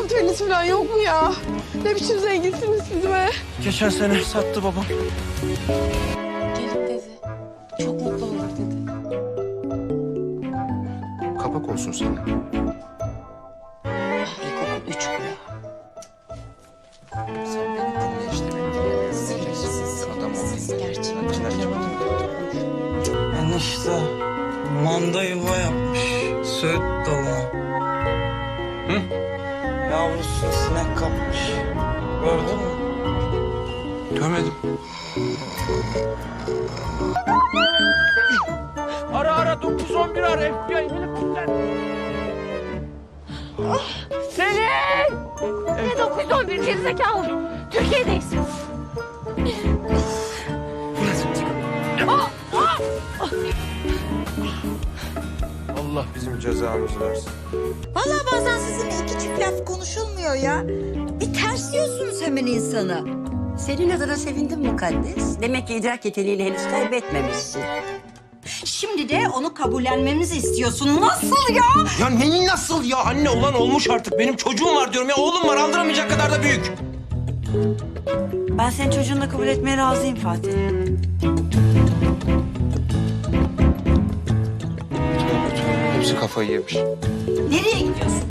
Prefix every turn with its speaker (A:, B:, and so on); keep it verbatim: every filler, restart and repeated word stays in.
A: moteliniz falan yok mu ya? Ne biçim zenginsiniz siz be?
B: Geçen sene sattı babam.
A: Gelin dedi. Çok mutlu olduk dedi.
C: Kapak olsun sana.
A: Ah, İlkokul üç bu ya.
C: Sen beni dinle işte. Beni dinlemezsin. Adam ol dinle.
A: Gerçekten.
B: Enişte manda yuva yapmış Söğüt dalına. Hı? Yavrusunu sinek kapmış. Gördün mü?
C: Görmedim.
B: Ara ara dokuz on bir ara F B I helikopter.
D: Selin! Ne dokuz on bir gerizekalı? Türkiye'deyiz.
C: Allah bizim cezamızı versin.
E: Vallahi bazen sizinle iki çift laf konuşulmuyor ya. Bir tersliyorsunuz hemen insanı.
F: Senin adına sevindim mukaddes. Demek ki idrak yeteneğini henüz kaybetmemişsin.
E: Şimdi de onu kabullenmemizi istiyorsun. Nasıl ya?
B: Ya neyi nasıl ya? Anne olan olmuş artık. Benim çocuğum var diyorum ya. Oğlum var aldıramayacak kadar da büyük.
F: Ben senin çocuğunu da kabul etmeye razıyım Fatih.
C: Tövbe tövbe. Hepsi kafayı yemiş.
E: Nereye gidiyorsun?